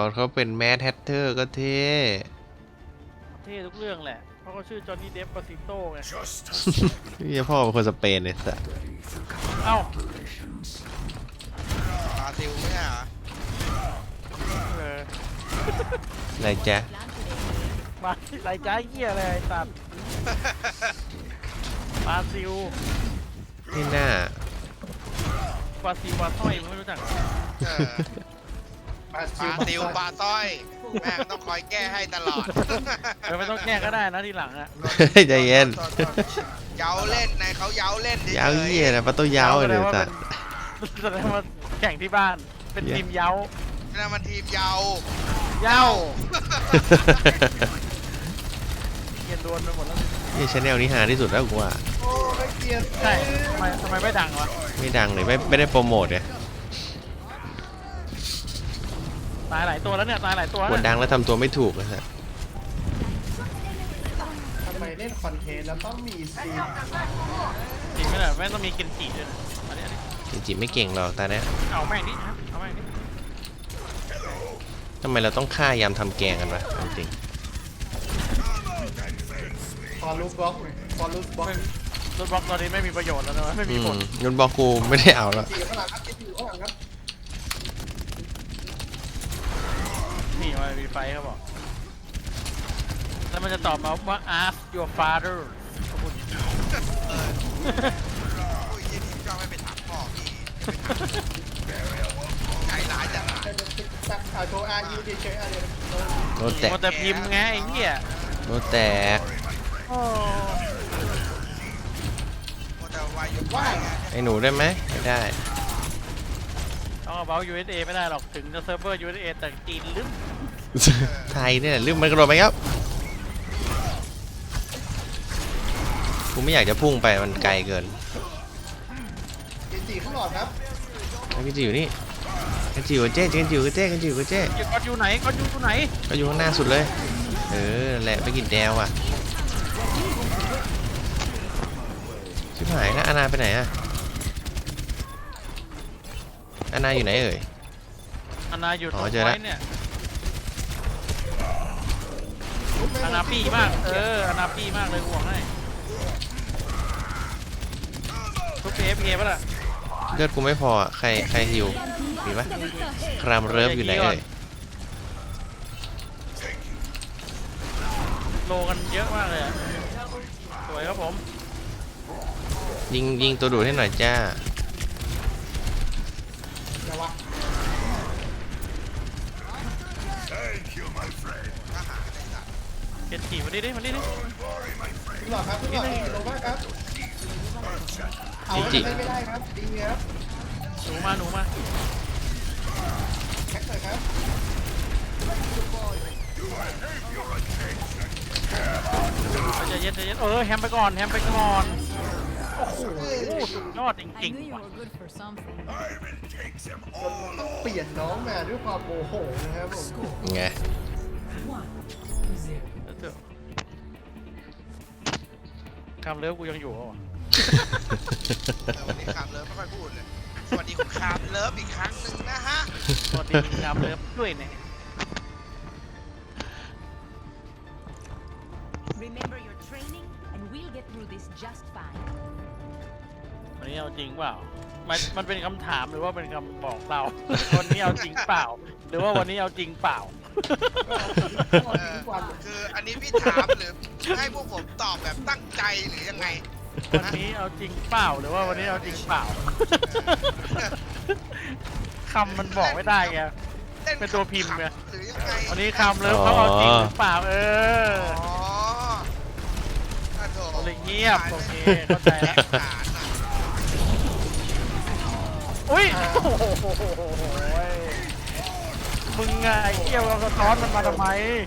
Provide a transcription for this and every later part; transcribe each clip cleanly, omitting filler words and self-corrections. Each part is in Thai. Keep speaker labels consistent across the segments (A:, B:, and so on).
A: อนเขาเป็นแมดแฮตเตอร์ก็เท่
B: เท่ทุกเรื่องแหละเพราะเขาชื่อจอห์นนี่เดฟปาซิโต้ไง
A: นี่พ่อเป็นคนสเปนเลยสัส
B: เอ้า
C: บราซิลไม่ใช่เหรอ
B: เออ
A: อะไรจ๊ะ
B: มาไรจ้าเหี้ยอะไรไอ้สัตว์บราซิล
A: ที่หน้า
B: บราซิลบราต้อยไม่รู้จัก
C: เออบ
D: รา
C: บ
D: ซิล
C: ราซิลบาต้อยแม่งต้องคอยแก้ให้ตลอด
B: เออไม่ต้องแก้ก็ได้นะทีหลังอะ
A: ใจเย็น
C: เย้าเล่นในเขาเย้าเล่นเฉยๆ
A: ยาวเยี่ยนะประตูยาวเลยสัส
B: แสดงว่าแข่งที่บ้านเป็นทีมเย้า
C: นั่นมันทีมเย้า
B: เย้าเกียนโดนไปหมดแล้ว
A: นี่ชาแนลนี้หาที่สุดแล้วกูว่า
D: โอ้ไม่เกลียด
B: ใช่ทำไมไม่ดังวะ
A: ไม่ดังเลยไม่ได้โปรโมทเนี่ย
B: ตายหลายตัวแล้วเนี่ยตายหลายตัว
A: ก
B: แล้ว
A: ด
B: เนี่ย
A: ดังแล้วทำตัวไม่ถูกนะฮะ
D: ทำไมเล่นคอนเทนต์แล้วต้องมีซีน
B: จริงไหมล่ะแม่งต้องมีเกนจิด้วยนะอันนี้
A: จริงๆไม่เก่งหรอกตาเนี้ย
B: เอาแม่งดิครับเอาแม่งดิ
A: ทำไมเราต้องฆ่ายามทำแกงกันวะจริง
D: ฟอลลูบล็อกฟอลลูบล็อก
B: รถบล็อกตอนนี้ไม่มีประโยชน์แล้วนะไม่มีผล
A: ยนบอกกูไม่ได้เอาแล้ว
D: จีอยู่ข้างหลังครับจีอยู่ข้างหลังครับ
B: นี่มันมีไฟเขาบอกแล้วมันจะตอบมาว่า ask your father ขอบคุณ
C: อุ้ยยี่นี่ก็ไม่ไปถามพ่อพี่ใจร้ายจัง
D: แต่จะติดตักโชว์อาร์ยูเฉยๆอะไร
A: โดนแตก
B: มันจะพิมพ์ไงไอ้เหี้ย
A: โดนแตก
B: โอ้
C: โมแต่วายอยู่ว่าไง
A: ไอ้หนูได้ไหมไม่ได้
B: ต้องเอาเบล USA ไม่ได้หรอกถึงจะเซิร์ฟเวอร์ USA แต่จีนลึก
A: ไทยเนี่ยลืมมันกระโดดไปครับกูไม่อยากจะพุ่งไปมันไกลเกิน
D: จีข้างหลอดครับ
A: ไอ้พี่จีอยู่นี่กันจิ๋วกับเจ๊กันจิ๋วกับเจ๊กันจิ๋วกับเจ๊
B: ก็อยู่ไหนก็อยู่ไหน
A: ก็อยู่ข้างหน้าสุดเลยเออนั่นแหละไปกินแดวอ่ะชิบหายนะอาณาไปไหนอะอาณาอยู่ไหนเอ่ย
B: อานาอยู่ต
A: อ๋
B: รง
A: อเจอ
B: ไว้
A: ละ
B: เนี่ยอานาปี้มากอานาปี้มากเลยห่วงให้ทุกเพป่ะล่ะ
A: เลือดกูไม่พออะใครหิวมีปะครามเริฟอยู่ไหนเอ่ย
B: โลกันเยอะมากเลยอะสวยครับผม
A: ยิงตัวดูดให้หน่อยจ้า
D: เดี๋ยววะ
B: เกนจิมาดิมาดิ
D: ข้างหลอดครับข้างหลอดลงมากครับเอาไม่ได้ครับดีครับ
B: หนูมา
D: แท็กหน่อยครับ
B: ใจเย็นแฮมไปก่อนโอ้โหสุดยอดจ
E: I
B: ริง
E: knew
B: ๆ
E: you
B: ว่ะ
E: were good for something.
D: เปลี่ยนน้องมาด้วยความโมโหนะครับผม
A: ไง
B: คำเลิฟกูยังอยู่อ่ะ
C: วันนี้คามเลิฟไม่ค่อยพูดเลย สวัสดีคุณคามเลิฟอีกครั้งหนึ่งนะฮะ
B: สวัสดีคำเลิฟด้วยเนี่ย
E: Remember your training, and we'll get through this just fine.
B: วันนี้เอาจริงเปล่ามันเป็นคำถามหรือว่าเป็นคำบอกเรา วันนี้เอาจริงเปล่า หรือว่าวันนี้เอาจริงเปล่า
C: คืออันนี้พี่ถามหรือให้พวกผมตอบแบบตั้งใจหรือยังไง
B: วันนี้เอาจริงเปล่าหรือว่าวันนี้เอาจริงเปล่า คำมันบอกไม่ได้ไง เป็นตัวพิมพ์ไง
C: หรือยังไง
B: วันนี้คำเลิฟเขาเอาจริงหรือเปล่า
C: อ๋ออ่ะโถ
B: เลยเงียบโอเคเข้าใจแล้ว
C: ฐานอ่ะ
B: อุ้ยโอ้โหมึงไงไอ้เกี้ยวเราสะท้อนมันมาทำไม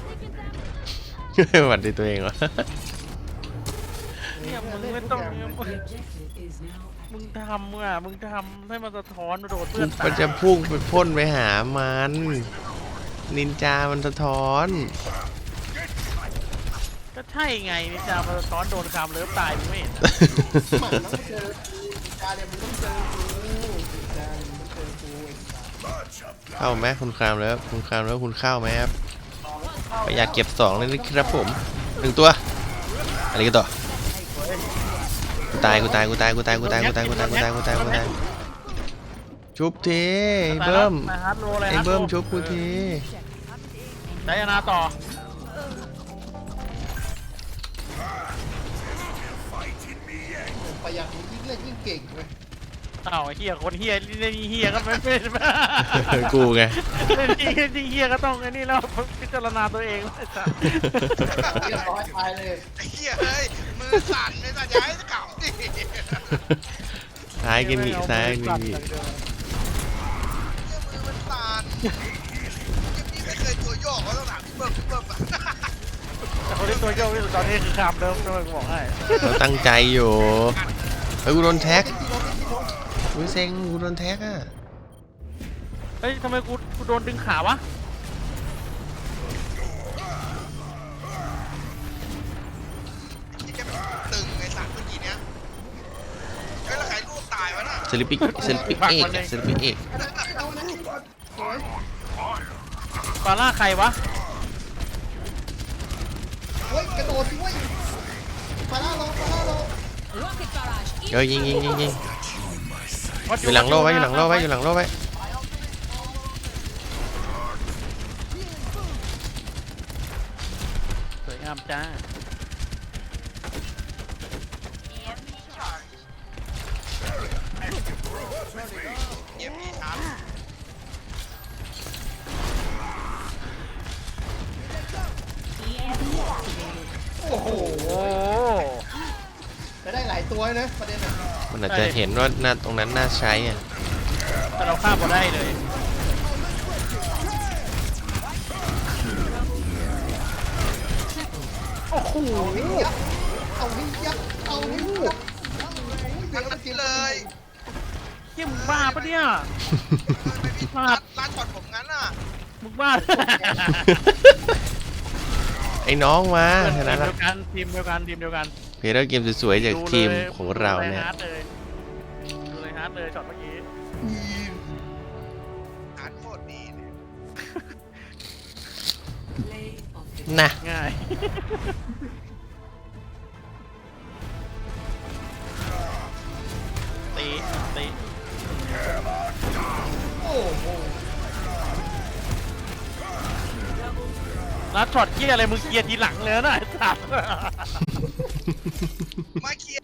A: หวัดดีตัวเองวะ
B: เนี่ยมึงไม่ต้องมึงทำอ่ะมึงทำให้มันสะท้อนโดดเพื่อนตาย
A: มันจะพุ่งไปพ่นไปหามันนินจามันสะท้อน
B: ก็ใช่ไงนี่จะมาสะท้อนโดนคำเลิฟตายมึงไม่เห็น
D: หมันต้องเจอกูจาเนี่ยมึงต้องเจอกูจาเนี่ยมึงต้องเจอกู
A: เข้าไหมคุณครามแล้วคุณครามแล้วคุณเข้าไหมครับประหยัดเก็บ2เลยนะครับผม1ตัวอะไรกันต่อกูตายชุบทีไอ้เบิ้ม
B: มาฮาร์ดโลเลย
A: ไอ้
B: ฮาร์ดโล
A: เบิ้มชุบกูที
B: ไดอานาต่อ
D: ประหยัดยิ่งเล่นยิ่งเก่งเลย
B: อ้าวไอ้เฮียคนเฮียเล่นเฮียก็ไม่เป็น
A: กูไง
B: เล่นเฮียก็ต้องไอ้นี่แล้วพิจารณาตัวเองไอ้สัส
D: เรียบร้อยตายเลย
C: ไอ้เหี้ยเฮ้ยมือสั่นเลยสัตว์ย้ายเก่าดิ
A: ซ้ายกินหมี่ซ้ายกินหมี่
C: มือมันสั่นพี่ไม่เคยตัวโยกว่าต้องถามพี่เบิ้มอะ
B: แต่คนที่ตัวโยกที่สุดตอนนี้คือคามเดิมด้วยกูบอกให้
A: เราตั้งใจอยู่เฮ้ยกูโดนแท็กกูเซ็งกูโดนแท็กอ่ะ
B: เฮ้ยทำไมกูโดนดึงขาวะ
C: ที่แกแบบตึงไอ้สัตว์เมื่อกี้เนี้ยเฮ้ยแล้วใครลูกตายวะน่ะ
A: เอกเอก
D: เอานะสวย
B: ฟาร่าใครวะ
D: เฮ้ยกระโดดสิเว้ยฟาร่าลง
E: Rocket barrage.
A: เฮ้ยยิงอยู่หลังโล่ไว้
B: สวยงามจ้า
C: เยี่ยมพี่ครับ
D: โอ้โห
B: โอ้
D: จะได้หลายตัวนะประเด็นอ่ะ
A: มันอาจจะเห็นว่าหน้าตรงนั้นน่าใช้อ่ะ
B: แต่เราฆ่าบ่ได้เลย โอ้โห
D: เอาให้ยับเอาให้ยับ
C: ทั้งนั้นเลย
B: เฮียมึงบ้าปะเนี่ย
C: ไม่พี่ร้านช็อตผมงั้นน่ะ
B: มึงบ้า
A: ไอ้น้องมาชนะ
B: ทีม
A: แล้ว
B: เดียวกันทีมเดียวกัน
A: เพลย์เกมสวยๆจากทีมของเราเนี่ย
B: ดูเลยฮาร์ดเลยช็อตเมื่อกี้
C: อ่านโคตรดีเลย
A: นะ
B: ง่าย ตี
D: โอ้โห
B: แล้วช็อตเกียอะไรมึงเกียร์ทีหลังเลยนะไอ้สัส
C: มาเคลียร์